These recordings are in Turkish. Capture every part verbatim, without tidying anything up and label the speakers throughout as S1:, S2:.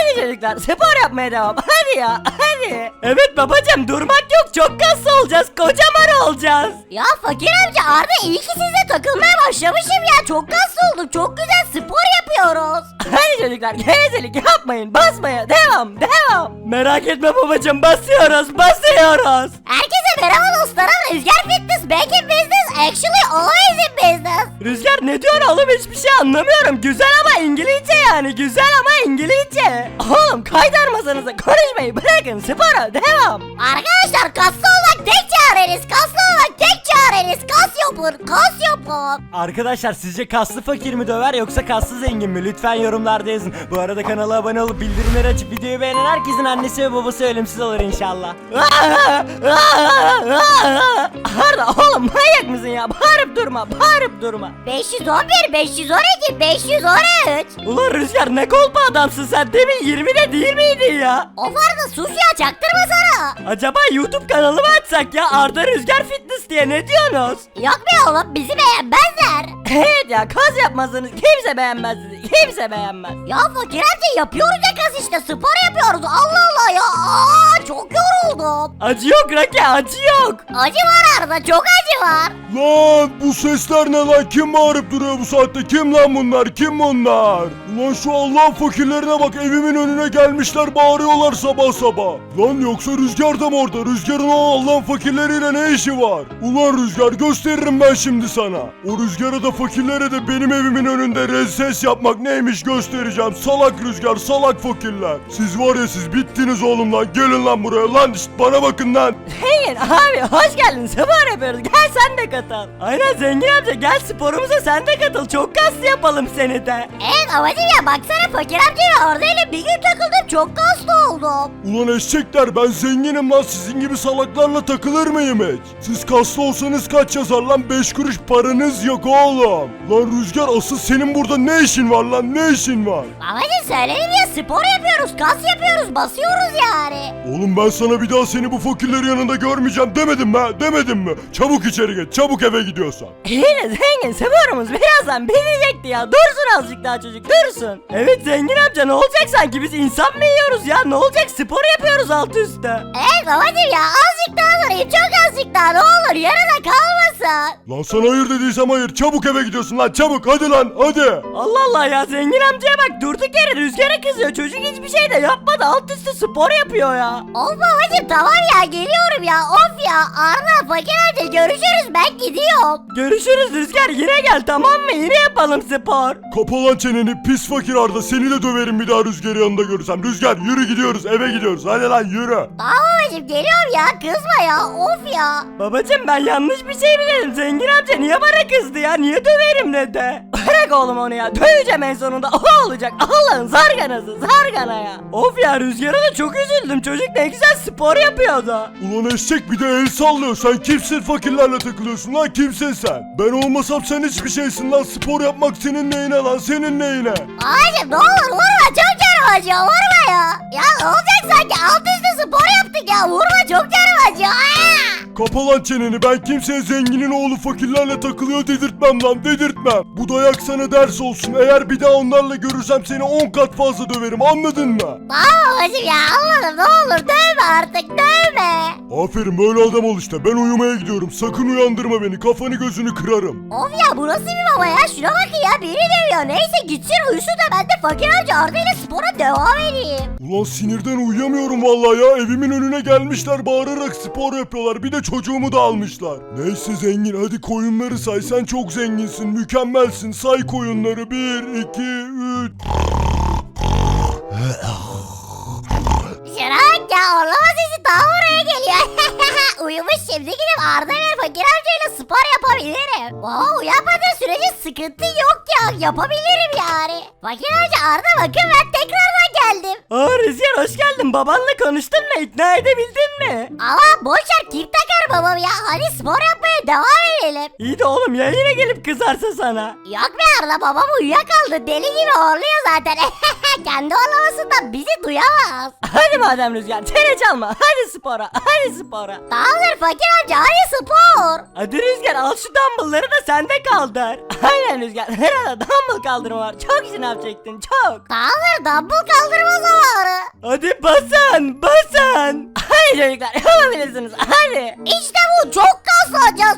S1: Hadi çocuklar spor yapmaya devam. Hadi ya hadi. Evet babacım durmak yok. Çok kaslı olacağız. Kocaman olacağız.
S2: Ya fakir amca Arda iyi ki sizle takılmaya başlamışım ya. Çok kaslı olduk. Çok güzel spor yapıyoruz.
S1: Hadi çocuklar gevezelik yapmayın. Basmaya devam devam. Merak etme babacım basıyoruz basıyoruz.
S2: Herkese merhaba dostlarım. Rüzgar Fitness back in business. Actually always in business.
S1: Rüzgar ne diyorsun oğlum hiçbir şey anlamıyorum. Güzel ama İngilizce yani. Güzel ama İngilizce. Oğlum kaydarmasanıza konuşmayı bırakın spora devam.
S2: Arkadaşlar kaslı olmak tek çareniz. Kaslı olmak tek çareniz. Kas yapın. Kas yapın.
S1: Arkadaşlar sizce kaslı fakir mi döver yoksa kaslı zengin mi? Lütfen yorumlarda yazın. Bu arada kanala abone olup bildirimleri açıp videoyu beğenen herkesin annesi ve babası ölümsüz olur inşallah. Arda oğlum manyak mısın ya? Bağırıp durma bağırıp durma.
S2: beş yüz on bir, beş yüz on iki, beş yüz on üç.
S1: Ulan Rüzgar ne kolpa adamsın sen, demin yirmide değil miydin ya?
S2: Of Arda sus ya, çaktırma sana.
S1: Acaba YouTube kanalı mı açsak ya, Arda Rüzgar Fitness diye, ne diyorsunuz?
S2: Yok be oğlum, bizi beğenmezler.
S1: Evet ya, kaz yapmazsanız kimse beğenmez sizi, kimse beğenmez.
S2: Ya fakir amca yapıyoruz ya kas işte, spor yapıyoruz. Allah Allah ya, aa, çok yoruldum.
S1: Acı yok Raki, acı yok.
S2: Acı var Arda, çok acı var.
S3: Lan bu sesler ne lan? Kim bağırıp duruyor bu saatte? Kim lan bunlar? Kim bunlar? Ulan şu Allah'ın fakirlerine bak, evimin önüne gelmişler bağırıyorlar sabah sabah. Lan yoksa Rüzgar da mı orada? Rüzgarın o Allah'ın fakirleriyle ne işi var? Ulan Rüzgar, gösteririm ben şimdi sana. O Rüzgar'a da fakirlere de benim evimin önünde rezil yapmak neymiş göstereceğim. Salak Rüzgar, salak fakirler. Siz var ya, siz bittiniz oğlum lan. Gelin lan buraya lan, şşt, bana bakın lan.
S1: Zengin abi hoş geldin, spor yapıyoruz, gel sen de katıl. Aynen Zengin amca, gel sporumuza sen de katıl, çok kaslı yapalım seni de.
S2: Evet amacım ya, baksana fakir amcayla Arda ile bir gün takıldım, çok kaslı oldum.
S3: Ulan eşekler, ben zenginim lan, sizin gibi salaklarla takılır mıyım hiç? Siz kaslı olsanız kaç yazar lan? Beş kuruş paranız yok oğlum. Lan Rüzgar, asıl senin burada ne işin var lan, ne işin var?
S2: Amacım söyledim ya, spor yapıyoruz, kas yapıyoruz, basıyoruz yani.
S3: Oğlum ben sana bir daha seni bu fakirlerin yanında görmeyeceğim demedim mi, ha? Demedim mi? Çabuk içeri geç, çabuk eve gidiyorsan.
S1: İyi de Zengin, sporumuz birazdan bitecekti ya, dursun azıcık daha çocuk, dursun. Evet Zengin amca, ne olacak sanki, biz insan mı yiyoruz ya, ne olacak, spor yapıyoruz altı üstte.
S2: Evet babacım ya, azıcık daha durayım, çok azıcık daha, ne olur yarıda kalmasın.
S3: Lan sana hayır dediysem hayır, çabuk eve gidiyorsun lan, çabuk, hadi lan, hadi.
S1: Allah Allah ya, Zengin amcaya bak, durduk yere Rüzgar'a kızıyor, çocuk hiçbir şey de yapmadı, alt üstü spor yapıyor ya.
S2: Of babacım tamam ya, geliyorum ya, of ya. Arda fakir amca görüşürüz, ben gidiyorum.
S1: Görüşürüz Rüzgar, yine gel tamam mı, yine yapalım spor.
S3: Kapa lan çeneni pis fakir Arda, seni de döverim bir daha Rüzgar'ı yanında görürsem. Rüzgar yürü, gidiyoruz, eve gidiyoruz, hadi lan yürü.
S2: Tamam babacım, geliyorum ya, kızma ya, of ya.
S1: Babacım ben yanlış bir şey mi dedim, Zengin amca niye bana kızdı ya, niye döverim dedi. Bırak oğlum onu ya, döveceğim en sonunda, o olacak, Allah'ın zarganası, zargana ya. Of ya, Rüzgar'a da çok üzüldüm, çocuk ne güzel spor yapıyordu.
S3: Ulan eşek, bir de el sallıyor. Sen kimsin fakirlerle takılıyorsun lan, kimsin sen? Ben olmasam sen hiçbir şeysin lan. Spor yapmak senin neyine lan, senin neyine?
S2: Babacım ne olur vurma, çok canım acıyor, vurma ya. Ya ne olacak sanki, alt üstü spor yaptık ya, vurma, çok canım acıyor. Aa!
S3: Kapa lan çeneni, ben kimseye zenginin oğlu fakirlerle takılıyor dedirtmem lan, dedirtmem. Bu dayak sana ders olsun, eğer bir daha onlarla görürsem seni on kat fazla döverim, anladın mı?
S2: Tamam babacım ya, anladım, ne olur dövme artık, dövme.
S3: Aferin, böyle adam ol işte. Ben uyumaya gidiyorum, sakın uyandırma beni, kafanı gözünü kırarım.
S2: Of ya, bu nasıl bir baba ya, şuna bakın ya, biri dövüyor. Neyse gitsin uyusun da ben de fakir amca Arda ile spora devam edeyim.
S3: Ulan sinirden uyuyamıyorum vallahi ya, evimin önüne gelmişler bağırarak spor yapıyorlar, bir de çocuğumu da almışlar. Neyse zengin, hadi koyunları say, sen çok zenginsin, mükemmelsin, say koyunları. Bir, iki, üç.
S2: Şuna bak ya, orlama sesi daha oraya geliyor. Uyumuş, şimdi gidip Arda ve fakir amcayla spor yapabilirim. Wow, uyanmadığı sürece sıkıntı yok ya, yapabilirim yani. Fakir amca Arda, bakın ben tekrardan geldim.
S1: Aa Rüzgar hoş geldin, babanla konuştun mu, ikna edebildin mi?
S2: Ama boşver, kim takar babam ya, hadi spor yapmaya devam edelim.
S1: İyi de oğlum ya, yine gelip kızarsa sana.
S2: Yok be Arda, babam uyuyakaldı, deli gibi horluyor zaten. Kendi horlamasından bizi duyamaz.
S1: Hadi madem Rüzgar, çene çalma, hadi spora, hadi spora.
S2: Tamamdır fakir amca, hadi spor.
S1: Hadi Rüzgar, al şu dumbbellları da sen de kaldır. Aynen Rüzgar, herhalde dumbbell kaldırma var, çok şınav çektin, çok.
S2: Tamamdır, dumbbell kaldırma zamanı.
S1: Hadi basın basın. Hadi çocuklar yapabilirsiniz hadi.
S2: İşte bu, çok kaslanacağız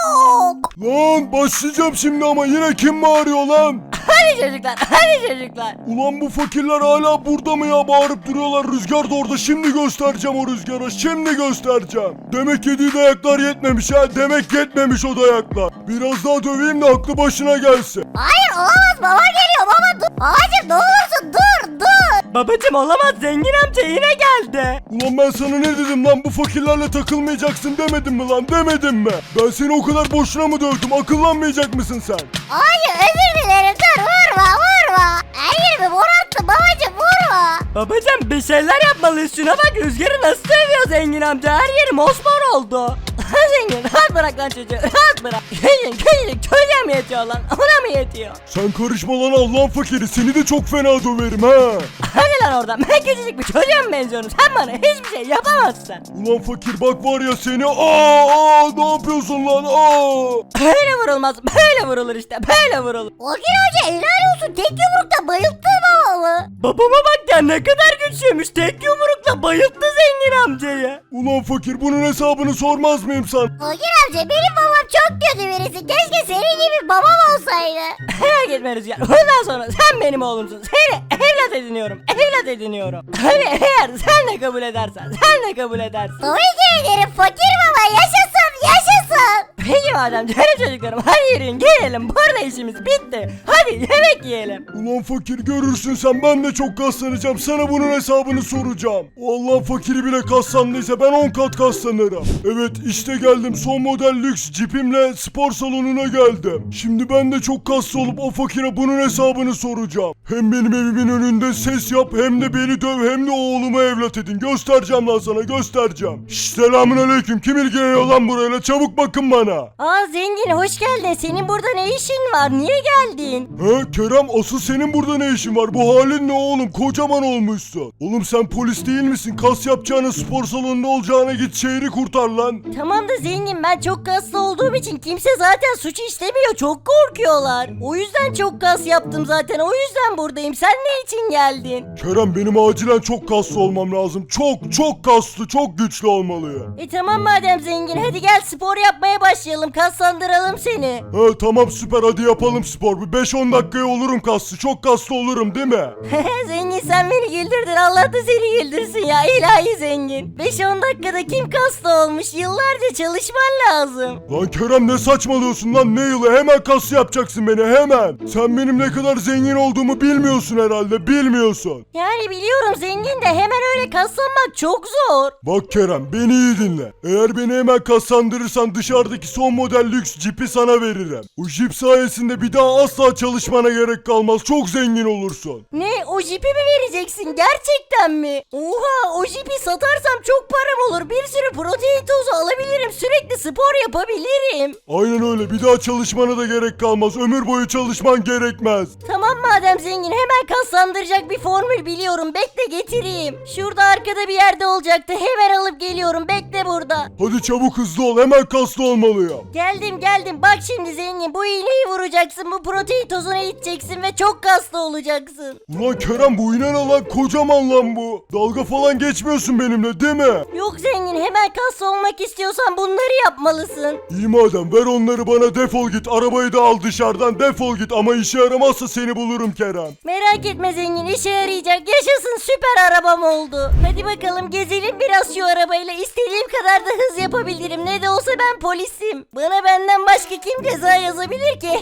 S2: çok.
S3: Lan başlayacağım şimdi ama yine kim bağırıyor lan?
S1: Hadi çocuklar hadi çocuklar.
S3: Ulan bu fakirler hala burada mı ya, bağırıp duruyorlar. Rüzgar da orada, şimdi göstereceğim o rüzgara, şimdi göstereceğim. Demek yediği dayaklar yetmemiş ha, demek yetmemiş o dayaklar. Biraz daha döveyim de aklı başına gelsin.
S2: Hayır olamaz, baba geliyor, baba dur. Babacım ne olursun dur dur.
S1: Babacım olamaz, zengin amca yine geldi.
S3: Ulan ben sana ne dedim lan, bu fakirlerle takılmayacaksın demedim mi lan, demedim mi? Ben seni o kadar boşuna mı dövdüm, akıllanmayacak mısın sen?
S2: Hayır özür dilerim, dur vurma vurma. Her yerimi morarttı babacım, vurma.
S1: Babacım bir şeyler yapmalıyız, şuna bak rüzgarı nasıl dövüyor zengin amca, her yeri mosmor oldu. Zengin rahat bırak lan çocuğu, rahat bırak. Zengin küçücük çocuğa mı yetiyor lan, ona mı yetiyor?
S3: Sen karışma lan Allah'ın fakiri, seni de çok fena döverim ha.
S1: Hadi lan oradan, ben küçücük bir çocuğa mı benziyorum, sen bana hiçbir şey yapamazsın.
S3: Ulan fakir bak var ya seni, aa, aa ne yapıyorsun lan, aa.
S1: Öyle vurulmaz, böyle vurulur işte, böyle vurulur.
S2: Fakir amca helal olsun, tek yumrukta bayılttı babamı.
S1: Babama bak ya, ne kadar güçlüymüş, tek yumrukla bayılttı zengin amcayı.
S3: Ulan fakir bunun hesabını sormaz mıyım sana?
S2: Fakir amca benim babam çok kötü birisi, keşke senin gibi babam olsaydı.
S1: Merak etme Rüzgar, bundan sonra sen benim oğlumsun, seni evlat ediniyorum, evlat ediniyorum. Hani eğer sen de kabul edersen, sen de kabul edersin.
S2: Tabii ki ederim fakir baba, yaşasın yaşasın.
S1: Peki madem canım çocuklarım, hadi yürüyün gelelim, burada işimiz bitti. Hadi yemek yiyelim.
S3: Ulan fakir görürsün sen, ben de çok kaslanacağım, sana bunun hesabını soracağım. O Allah fakiri bile kaslandıysa ben on kat kaslanırım. Evet işte geldim, son model lüks cipimle spor salonuna geldim. Şimdi ben de çok kaslı olup o fakire bunun hesabını soracağım. Hem benim evimin önünde ses yap, hem de beni döv, hem de oğlumu evlat edin. Göstereceğim lan sana, göstereceğim. Şşş selamünaleyküm, kim ilgileniyor lan burayla, çabuk bakın bana.
S1: Aa zengin hoş geldin, senin burada ne işin var, niye geldin?
S3: He Kerem, asıl senin burada ne işin var? Bu halin ne oğlum, kocaman olmuşsun. Oğlum sen polis değil misin? Kas yapacağına, spor salonunda olacağına git şehri kurtar lan.
S1: Tamam da zengin, ben çok kaslı olduğum için kimse zaten suç işlemiyor, çok korkuyorlar. O yüzden çok kas yaptım zaten, o yüzden buradayım. Sen ne için geldin?
S3: Kerem benim acilen çok kaslı olmam lazım. Çok çok kaslı, çok güçlü olmalıyım.
S1: E tamam madem zengin, hadi gel spor yapmaya başlayalım, kaslandıralım seni.
S3: He tamam süper, hadi yapalım spor. Bir beş on dakikaya olurum kaslı. Çok kaslı olurum değil mi?
S1: Zengin sen beni güldürdün, Allah da seni güldürsün ya ilahi zengin. beş on dakikada kim kaslı olmuş, yıllarca çalışman lazım.
S3: Lan Kerem ne saçmalıyorsun lan, ne yılı, hemen kaslı yapacaksın beni hemen. Sen benim ne kadar zengin olduğumu bilmiyorsun herhalde, bilmiyorsun.
S1: Yani biliyorum zengin de hemen öyle kaslanmak çok zor.
S3: Bak Kerem beni iyi dinle. Eğer beni hemen kaslandırırsan dışarıdaki son model lüks cipi sana veririm. O jip sayesinde bir daha asla çalışmana gerek kalmaz, çok zengin olursun.
S1: Ne, o jipi mi vereceksin gerçekten mi? Oha, o jipi satarsam çok param olur, bir sürü protein tozu alabilirim, sürekli spor yapabilirim.
S3: Aynen öyle, bir daha çalışmana da gerek kalmaz, ömür boyu çalışman gerekmez.
S1: Tamam madem zengin, hemen kaslandıracak bir formül biliyorum, bekle getireyim. Şurada arkada bir yerde olacaktı, hemen alıp geliyorum, bekle burada.
S3: Hadi çabuk hızlı ol, hemen kaslı olmalıyım.
S1: Geldim geldim, bak şimdi zengin, bu iğneyi vuracaksın, bu protein tozunu içeceksin ve çok kaslı olacaksın.
S3: Ulan Kerem bu iğne ne lan, kocaman lan bu. Dalga falan geçmiyorsun benimle değil mi?
S1: Yok zengin, hemen kaslı olmak istiyorsan bunları yapmalısın.
S3: İyi madem, ver onları bana, defol git, arabayı da al dışarıdan, defol git, ama işe yaramazsa seni bulurum Kerem.
S1: Merak etme zengin, işe yarayacak, yaşasın, süper arabam oldu. Hadi bakalım gezelim biraz şu arabayla, istediğim kadar da hız yapabilirim, ne de olsa ben polisim. Bana benden başka kim ceza yazabilir ki?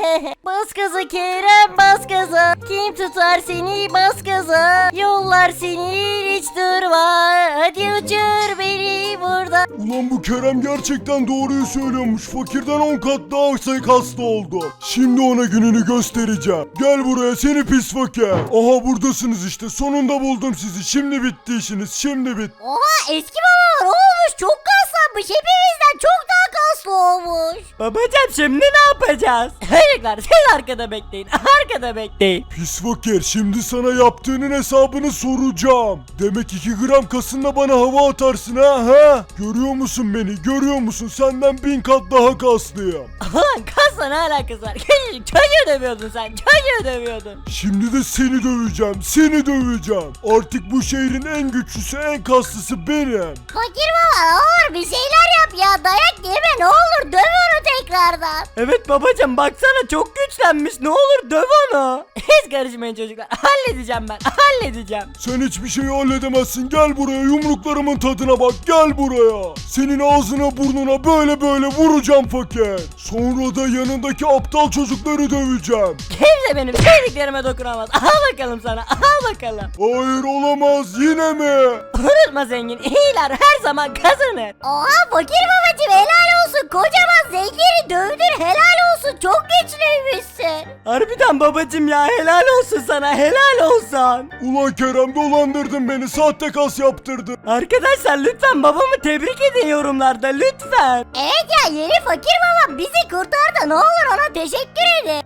S1: Bas gaza Kerem, bas gaza, kim tutar seni, bas gaza, yollar seni hiç durma, hadi uçur beni burada.
S3: Ulan bu Kerem gerçekten doğruyu söylüyormuş, fakirden on kat daha sayı kaslı oldu. Şimdi ona gününü göstereceğim. Gel buraya seni pis fakir. Aha buradasınız işte, sonunda buldum sizi, şimdi bitti işiniz, şimdi bitti.
S2: Oha eski baba var oğlum olmuş, çok kaslanmış, hepimizden çok daha kaslı olmuş.
S1: Babacım şimdi ne yapacağız? Çocuklar siz arkada bekleyin. Arkada bekleyin.
S3: Pis fakir, şimdi sana yaptığının hesabını soracağım. Demek iki gram kasınla bana hava atarsın ha ha? Görüyor musun beni, görüyor musun? Senden bin kat daha kaslıyım.
S1: Ulan kasla ne alakası var? Küçücük çocuğu dövüyordun sen. Çocuğu dövüyordun.
S3: Şimdi de seni döveceğim, seni döveceğim. Artık bu şehrin en güçlüsü, en kaslısı benim.
S2: Fakir baba ne olur bir şeyler yap ya, dayak yeme ne olur, döv onu tekrardan.
S1: Evet babacım baksana çok güçlenmiş. Ne olur döv onu. Hiç karışmayın çocuklar. Halledeceğim ben. Halledeceğim.
S3: Sen hiçbir şeyi halledemezsin. Gel buraya, yumruklarımın tadına bak. Gel buraya. Senin ağzına burnuna böyle böyle vuracağım fakir. Sonra da yanındaki aptal çocukları döveceğim.
S1: Kimse benim sevdiklerime dokunamaz. Al bakalım sana. Al bakalım.
S3: Hayır, olamaz, yine mi?
S1: Unutma zengin. İyiler her zaman kazanır.
S2: Oha fakir babacım, helal olsun, kocaman zengini dövdün, helal olsun, çok güçlüymüşsün.
S1: Harbiden babacım ya helal olsun sana. Helal olsun.
S3: Ulan Kerem, dolandırdın beni. Sahte kas yaptırdın.
S1: Arkadaşlar lütfen babamı tebrik edin yorumlarda lütfen.
S2: Evet ya, yeni fakir babam bizi kurtardı, ne olur ona teşekkür edin.